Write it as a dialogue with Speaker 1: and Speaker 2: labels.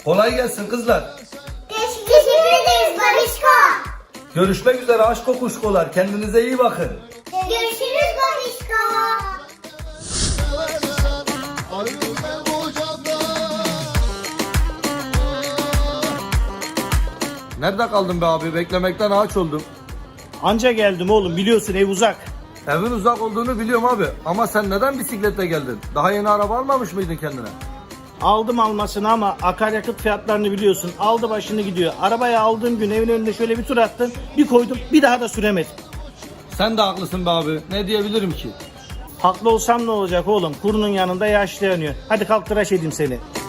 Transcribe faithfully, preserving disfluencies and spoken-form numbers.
Speaker 1: Kolay gelsin kızlar.
Speaker 2: Teşekkür ederiz babişko.
Speaker 1: Görüşmek üzere aşk kokuşkolar. Kendinize iyi bakın.
Speaker 2: Görüşürüz babişko.
Speaker 1: Nerede kaldın be abi? Beklemekten ağaç oldum.
Speaker 3: Anca geldim oğlum, biliyorsun ev uzak.
Speaker 1: Evin uzak olduğunu biliyorum abi. Ama sen neden bisikletle geldin? Daha yeni araba almamış mıydın kendine?
Speaker 3: Aldım almasını ama akaryakıt fiyatlarını biliyorsun. Aldı başını gidiyor. Arabayı aldığım gün evin önünde şöyle bir tur attım. Bir koydum, bir daha da süremedim.
Speaker 1: Sen de haklısın be abi. Ne diyebilirim ki?
Speaker 3: Haklı olsam ne olacak oğlum? Kurunun yanında yaşlı yanıyor. Hadi kalk tıraş edeyim seni.